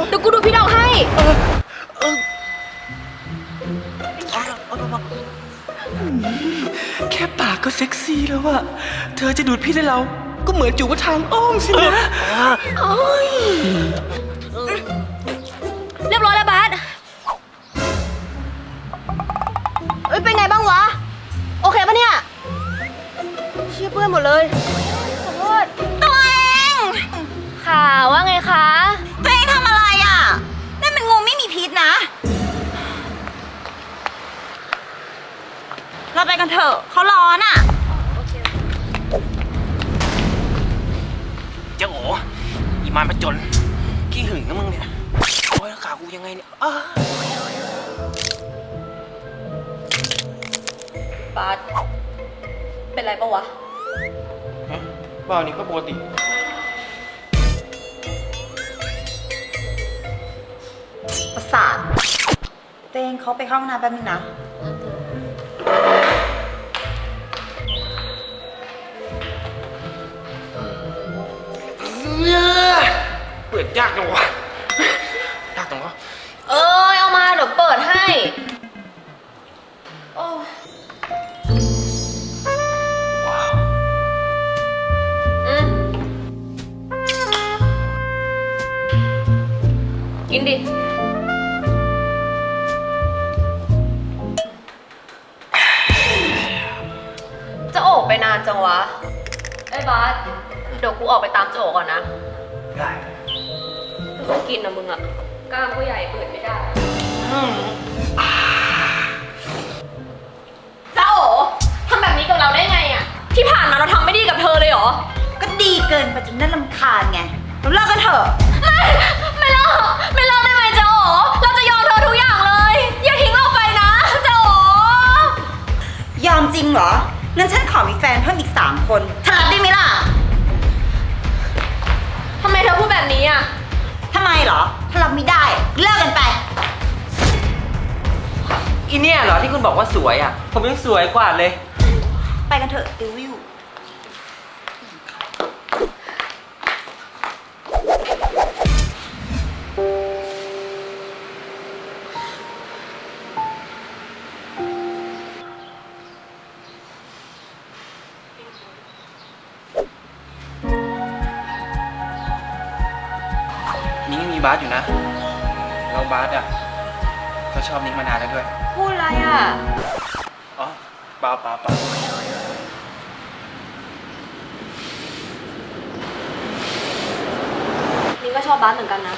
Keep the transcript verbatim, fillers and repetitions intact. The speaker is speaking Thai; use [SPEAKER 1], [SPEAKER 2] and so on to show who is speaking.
[SPEAKER 1] เดี๋ยวกูดูพี่ดอกให้เออเออ
[SPEAKER 2] แค่ปากก็เซ็กซี่แล้วอะเธอจะดูดพี่ได้เราก็เหมือนจูบทางอ้อมสินะโอ้ย
[SPEAKER 1] เรียบร้อยแล้วบาสเอ้ยเป็นไงบ้างวะโอเคปะเนี่ยเชี่ยเพื่อนหมดเลยขอโทษ
[SPEAKER 3] ตัวเอง
[SPEAKER 1] ค่ะว่าไงคะ
[SPEAKER 3] ตัวเองทำอะไรอ่ะนั่นมันงูไม่มีพิษนะเราไปกันเถอะเขาร้อนอ่ะ
[SPEAKER 2] เจ้าโอ๋อีมานประจนขี้หึงนะมึงเนี่ยโอ้ยขากูยังไงเนี่ย
[SPEAKER 1] บาสเป็นไรปะวะ
[SPEAKER 2] ฮะบ้านี่ก็ปกติ
[SPEAKER 3] ประสาทเตงเขาไปเข้าห้องน้ำแป๊บนึงนะ
[SPEAKER 2] เปิดยากจังวะยากจังวะ
[SPEAKER 1] เอ้ยเอามาเดี๋ยวเปิดให้โอ้
[SPEAKER 2] ว้าว
[SPEAKER 1] อืมกินดิจะโอบไปนานจังวะไอ้บาสเดี๋ยวกูออกไปตามโจก่อนนะ
[SPEAKER 2] ได้
[SPEAKER 1] ไม่ต้องกินนะมึงอะกล้ามก็ใหญ่เปิดไม่ได้จ้าโอทำแบบนี้กับเราได้ไงอะที่ผ่านมาเราทำไม่ดีกับเธอเลยเหรอ
[SPEAKER 3] ก็ดีเกินไปจนน่ารำคาญไงเราเลิกกันเถอะ
[SPEAKER 1] ไม่ไม่เลิกไม่เลิกได้ไหมจ้าโอเราจะยอมเธอทุกอย่างเลยอย่าทิ้งเราไปนะจ้าโอย
[SPEAKER 3] อมจริงเหรองั้นฉันขอมีแฟนเพิ่มอีกสามคนเธอรับได้ไหมล่ะ
[SPEAKER 1] ทำไมเธอพูดแบบนี้อะ
[SPEAKER 3] ทำไมเหรอถ้ารับไม่ได้เลิกกันไป
[SPEAKER 2] อีเนี่ยเหรอที่คุณบอกว่าสวยอ่ะผมยังสวยกว่าเลย
[SPEAKER 3] ไปกันเถอะติววิว
[SPEAKER 2] นิ้งมีบาสอยู่นะเราบาสอ่ะก็ชอบนิ้งมานานแล้วด้วย
[SPEAKER 1] พูดอะไรอ่ะ
[SPEAKER 2] อ๋อเปล่าเปล่าเปล่า
[SPEAKER 1] นี่ก็ชอบบาสเหมือนกันนะ